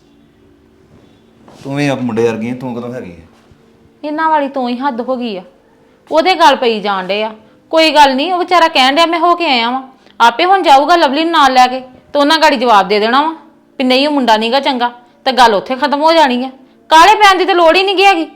ਤੂੰ ਵੀ ਆਪ ਮੁੰਡੇ ਵਰਗੀ ਆਂ, ਤੂੰ ਕਦੋਂ ਹੈਗੀ ਹੈ? ਇਹਨਾਂ ਵਾਲੀ ਤੋਂ ਹੀ ਹੱਦ ਹੋ ਗਈ ਆ। ਉਹਦੇ ਗੱਲ ਪਈ ਜਾਣ ਡੇ ਆ। ਕੋਈ ਗੱਲ ਨਹੀਂ, ਉਹ ਵਿਚਾਰਾ ਕਹਿਣ ਡਿਆ ਮੈਂ ਹੋ ਕੇ ਆਇਆ ਵਾਂ। ਆਪੇ ਹੁਣ ਜਾਊਗਾ ਲਵਲੀ ਨੂੰ ਨਾਲ ਲੈ ਕੇ ਤੇ ਉਹਨਾਂ ਗਾੜੀ ਜਵਾਬ ਦੇ ਦੇਣਾ ਵਾ ਵੀ ਨਹੀਂ ਉਹ ਮੁੰਡਾ ਨਹੀਂਗਾ ਚੰਗਾ, ਤੇ ਗੱਲ ਉੱਥੇ ਖਤਮ ਹੋ ਜਾਣੀ ਆ। ਕਾਲੇ ਪੈਣ ਦੀ ਤੇ ਲੋੜ ਹੀ ਨਹੀਂ ਹੈਗੀ।